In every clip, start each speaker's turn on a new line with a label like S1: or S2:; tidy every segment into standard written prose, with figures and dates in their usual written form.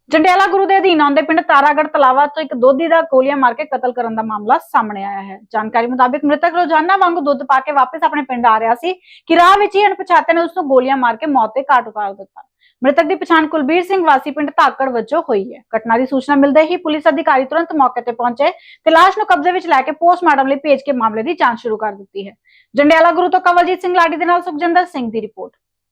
S1: ਜੰਡਿਆਲਾ ਗੁਰੂ ਦੇ ਅਧੀਨ ਆਉਂਦੇ ਪਿੰਡ ਤਾਰਾਗੜ੍ਹ ਤਲਾਵਾ ਤੋਂ ਇੱਕ ਦੋਧੀ ਦਾ ਗੋਲੀਆਂ ਮਾਰ ਕੇ ਕਤਲ ਕਰਨ ਦਾ ਮਾਮਲਾ ਸਾਹਮਣੇ ਆਇਆ ਹੈ। ਜਾਣਕਾਰੀ ਮੁਤਾਬਿਕ ਮ੍ਰਿਤਕ ਰੋਜ਼ਾਨਾ ਵਾਂਗੂ ਦੁੱਧ ਪਾ ਕੇ ਵਾਪਸ ਆਪਣੇ ਪਿੰਡ ਆ ਰਿਹਾ ਸੀ ਕਿ ਰਾਹ ਵਿੱਚ ਹੀ ਅਣਪਛਾਤੇ ਨੇ ਉਸ ਨੂੰ ਗੋਲੀਆਂ ਮਾਰ ਕੇ ਮੌਤ ਦੇ ਘਾਟ ਉਤਾਰ ਦਿੱਤਾ। ਮ੍ਰਿਤਕ ਦੀ ਪਛਾਣ ਕੁਲਬੀਰ ਸਿੰਘ ਵਾਸੀ ਪਿੰਡ ਧਾਕੜ ਵਜੋਂ ਹੋਈ ਹੈ। ਘਟਨਾ ਦੀ ਸੂਚਨਾ ਮਿਲਦੇ ਹੀ ਪੁਲਿਸ ਅਧਿਕਾਰੀ ਤੁਰੰਤ ਮੌਕੇ ਤੇ ਪਹੁੰਚੇ ਤੇ ਲਾਸ਼ ਨੂੰ ਕਬਜ਼ੇ ਵਿੱਚ ਲੈ ਕੇ ਪੋਸਟਮਾਰਟਮ ਲਈ ਭੇਜ ਕੇ ਮਾਮਲੇ ਦੀ ਜਾਂਚ ਸ਼ੁਰੂ ਕਰ ਦਿੱਤੀ ਹੈ। ਜੰਡਿਆਲਾ ਗੁਰੂ ਤੋਂ ਕਵਲਜੀਤ ਸਿੰਘ ਲਾਡੀ ਦੇ ਨਾਲ ਸੁਖਜਿੰਦਰ ਸਿੰਘ ਦੀ ਰਿਪੋਰਟ।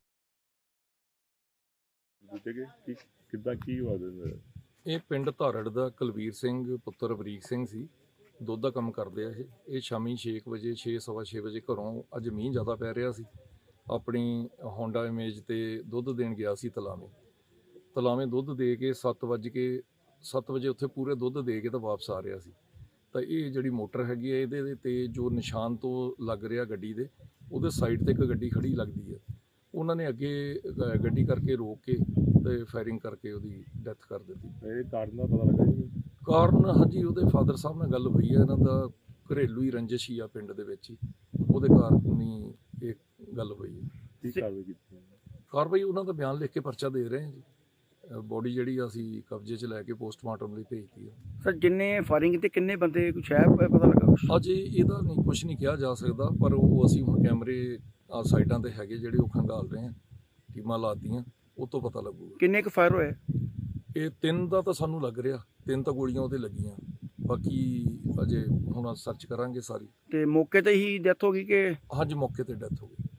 S2: ਇਹ ਪਿੰਡ ਧਾਰੜ ਦਾ ਕੁਲਬੀਰ ਸਿੰਘ ਪੁੱਤਰ ਬਰੀਕ ਸਿੰਘ ਸੀ। ਦੁੱਧ ਦਾ ਕੰਮ ਕਰਦੇ ਆ। ਇਹ ਸ਼ਾਮੀ 6 ਵਜੇ 6:15 ਵਜੇ ਘਰੋਂ, ਅੱਜ ਮੀਂਹ ਜ਼ਿਆਦਾ ਪੈ ਰਿਹਾ ਸੀ, ਆਪਣੀ ਹੋਂਡਾ ਇਮੇਜ ਤੇ ਦੁੱਧ ਦੇਣ ਗਿਆ ਸੀ ਤਲਾਵੇਂ ਦੁੱਧ ਦੇ ਕੇ 7 ਵਜੇ ਉੱਥੇ ਪੂਰੇ ਦੁੱਧ ਦੇ ਕੇ ਤਾਂ ਵਾਪਸ ਆ ਰਿਹਾ ਸੀ। ਤਾਂ ਇਹ ਜਿਹੜੀ ਮੋਟਰ ਹੈਗੀ ਹੈ, ਇਹਦੇ ਤੇ ਜੋ ਨਿਸ਼ਾਨ ਤੋਂ ਲੱਗ ਰਿਹਾ ਗੱਡੀ ਦੇ, ਉਹਦੇ ਸਾਈਡ ਤੇ ਇੱਕ ਗੱਡੀ ਖੜੀ ਲੱਗਦੀ ਹੈ। ਉਹਨਾਂ ਨੇ ਅੱਗੇ ਗੱਡੀ ਕਰਕੇ ਰੋਕ ਕੇ ਤੇ ਫਾਇਰਿੰਗ ਕਰਕੇ ਉਹਦੀ ਡੈਥ ਕਰ ਦਿੱਤੀ।
S3: ਇਹ ਕਾਰਨ ਦਾ ਪਤਾ ਲੱਗਾ ਜੀ?
S2: ਕਾਰਨ ਹਾਂਜੀ, ਉਹਦੇ ਫਾਦਰ ਸਾਹਿਬ ਨਾਲ ਗੱਲ ਹੋਈ ਹੈ। ਇਹਨਾਂ ਦਾ ਘਰੇਲੂ ਹੀ ਰੰਜਿਸ਼ ਹੀ ਆ ਪਿੰਡ ਦੇ ਵਿੱਚ ਹੀ, ਉਹਦੇ ਕਾਰਨ ਹੀ ਇਹ ਗੱਲ ਹੋਈ ਹੈ।
S3: ਕੀ ਕਾਰਵਾਈ ਕੀਤੀ?
S2: ਕਾਰਵਾਈ ਉਹਨਾਂ ਦਾ ਬਿਆਨ ਲਿਖ ਕੇ ਪਰਚਾ ਦੇ ਰਹੇ ਹਾਂ ਜੀ। ਬੋਡੀ ਜਿਹੜੀ ਅਸੀਂ ਕਬਜ਼ੇ 'ਚ ਲੈ ਕੇ ਪੋਸਟਮਾਰਟਮ ਲਈ ਭੇਜਤੀ ਹੈ।
S4: ਸਰ, ਜਿੰਨੇ ਫਾਇਰਿੰਗ ਤੇ ਕਿੰਨੇ ਬੰਦੇ ਕੁਛ ਹੈ ਪਤਾ ਲੱਗਾ ਕੁਛ?
S2: ਅਜੇ ਇਹਦਾ ਕੁਝ ਨਹੀਂ ਕਿਹਾ ਜਾ ਸਕਦਾ, ਪਰ ਉਹ ਅਸੀਂ ਹੁਣ ਕੈਮਰੇ ਸਾਈਡਾਂ ਤੇ ਹੈਗੇ ਜਿਹੜੇ ਉਹ ਖੰਗਾਲ ਰਹੇ ਹਾਂ, ਟੀਮਾਂ ਲਾਤੀਆਂ, ਉਹ ਤੋਂ ਪਤਾ ਲੱਗੂਗਾ।
S4: ਕਿੰਨੇ ਕੁ ਫਾਇਰ ਹੋਏ?
S2: ਇਹ 3 ਦਾ ਤਾਂ ਸਾਨੂੰ ਲੱਗ ਰਿਹਾ, 3 ਤਾਂ ਗੋਲੀਆਂ ਉਹਦੇ ਲੱਗੀਆਂ, ਬਾਕੀ ਅਜੇ ਹੁਣ ਸਰਚ ਕਰਾਂਗੇ ਸਾਰੀ।
S4: ਤੇ ਮੌਕੇ ਤੇ ਹੀ ਡੈਥ ਹੋ ਗਈ ਕਿ?
S2: ਹਾਂਜੀ, ਮੌਕੇ ਤੇ ਡੈਥ ਹੋ ਗਈ।